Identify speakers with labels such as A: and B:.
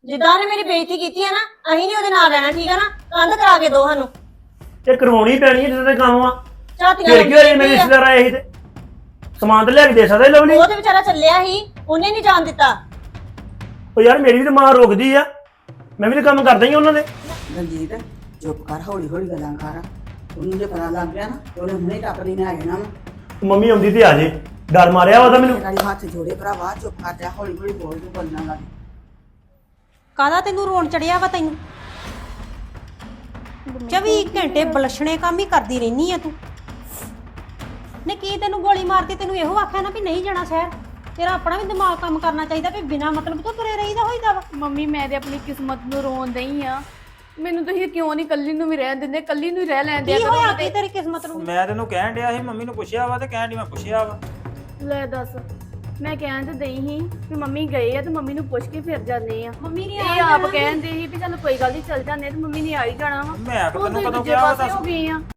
A: ਜਿੱਦਾਂ ਉਹਨੇ ਮੇਰੀ ਬੇਇੱਜ਼ਤੀ ਕੀਤੀ ਹੈ ਨਾ ਅਸੀਂ ਨਹੀਂ ਉਹਦੇ ਨਾਲ ਰਹਿਣਾ, ਠੀਕ ਹੈ ਨਾ। ਕੰਧ ਕਰਾ ਕੇ ਦੋ ਸਾਨੂੰ।
B: ਤੇ ਕਰਵਾਉਣੀ ਪੈਣੀ ਹੈ ਜਦੋਂ ਤੇ ਕੰਮ ਆ।
A: ਝਾਤੀਆਂ
B: ਫਿਰ ਕੀ ਹੋਇਆ ਮੇਰੇ ਰਿਸ਼ਤੇਦਾਰ ਆਏ ਸੀ ਤੇ ਸਮਾਨ ਤੇ ਲਿਆ ਕੇ ਦੇ ਸਕਦਾ ਸੀ ਲਵਲੀ।
A: ਉਹ ਤੇ ਵਿਚਾਰਾ ਚੱਲਿਆ ਸੀ, ਉਹਨੇ ਨਹੀਂ ਜਾਣ ਦਿੱਤਾ।
B: ਉਹ ਯਾਰ ਮੇਰੀ ਵੀ ਤਾਂ ਮਾਂ ਰੋਕਦੀ ਆ, ਮੈਂ ਵੀ ਤਾਂ ਕੰਮ ਕਰਦਾ ਹੀ ਉਹਨਾਂ ਦੇ।
C: ਰਣਜੀਤ ਚੁੱਪ ਕਰ, ਹੌਲੀ ਹੌਲੀ ਗੱਲਾਂ ਕਰ। ਉਹਨੂੰ ਜੇ ਪਤਾ ਲੱਗ ਗਿਆ ਨਾ ਉਹਨੇ ਹੁਣੇ ਟੱਪਦੀ ਨੇ ਆ ਜਾਣਾ ਵਾ।
B: ਮੰਮੀ ਆਉਂਦੀ ਤੇ ਆ ਜੇ, ਡਰ ਮਾਰਿਆ ਉਹਦਾ ਮੈਨੂੰ।
C: ਨਾਲੇ ਹੱਥ ਜੋੜੇ ਭਰਾਵਾ, ਚੁੱਪ ਕਰ ਜਾ, ਹੌਲੀ ਹੌਲੀ ਬੋਲ, ਤੂੰ ਬੋਲਣਾ ਲੱਗ।
D: ਕਾਹਦਾ ਤੈਨੂੰ ਰੋਣ ਚੜਿਆ ਵਾ ਤੈਨੂੰ? 24 ਘੰਟੇ ਬਲਸ਼ਣੇ ਕੰਮ ਹੀ ਕਰਦੀ ਰਹਿਨੀ ਆ ਤੂੰ। ਨੇ ਕੀ ਤੈਨੂੰ ਗੋਲੀ ਮਾਰਤੀ? ਤੈਨੂੰ ਇਹੋ ਆਖਿਆ ਨਾ ਵੀ ਨਹੀਂ ਜਾਣਾ ਸ਼ਹਿਰ। ਤੇਰਾ ਆਪਣਾ ਵੀ ਦਿਮਾਗ ਕੰਮ ਕਰਨਾ ਚਾਹੀਦਾ ਵੀ ਬਿਨਾਂ ਮਤਲਬ ਤੋਂ ਤੁਰੇ ਰਹੀਦਾ ਹੋਈਦਾ ਵਾ।
E: ਮੰਮੀ ਮੈਂ ਤੇ ਆਪਣੀ ਕਿਸਮਤ ਨੂੰ ਰੋਣ ਦਈ ਆ। ਮੈਨੂੰ ਤੁਸੀਂ ਕਿਉਂ ਨਹੀਂ ਕੱਲੀ ਨੂੰ ਵੀ ਰਹਿਣ ਦਿੰਦੇ? ਕੱਲੀ ਨੂੰ ਹੀ ਰਹਿ ਲੈਂਦੇ
D: ਕੀ ਹੋਇਆ ਕੀ ਤੇਰੀ ਕਿਸਮਤ ਨੂੰ?
F: ਮੈਂ ਤੈਨੂੰ ਕਹਿਣ ਡਿਆ ਸੀ, ਮੰਮੀ ਨੂੰ ਪੁੱਛਿਆ ਵਾ ਤੇ ਕਹਿਣ ਡਈ ਮੈਂ ਪੁੱਛਿਆ ਵਾ।
E: ਲੈ ਦੱਸ, ਮੈਂ ਕਹਿਣ ਤੇ ਦਈ ਸੀ ਵੀ ਮੰਮੀ ਗਏ ਆ ਤੇ ਮੰਮੀ ਨੂੰ ਪੁੱਛ ਕੇ ਫਿਰ ਜਾਂਦੇ ਆ।
D: ਮੰਮੀ ਨੇ
E: ਇਹ ਆਪ ਕਹਿੰਦੇ ਸੀ ਵੀ ਚਲ ਕੋਈ ਗੱਲ ਨਹੀਂ ਚੱਲ ਜਾਂਦੇ, ਤੇ ਮੰਮੀ ਨੇ ਆ ਹੀ ਜਾਣਾ ਵਾ।
F: ਮੈਂ
E: ਤੂੰ
F: ਤੈਨੂੰ
E: ਦੂਜੇ
F: ਕਦੋਂ ਕਿਹਾ ਵਾ
E: ਪਾਸੇ
F: ਦੱਸ?
E: ਹੋ ਗਈ ਆ।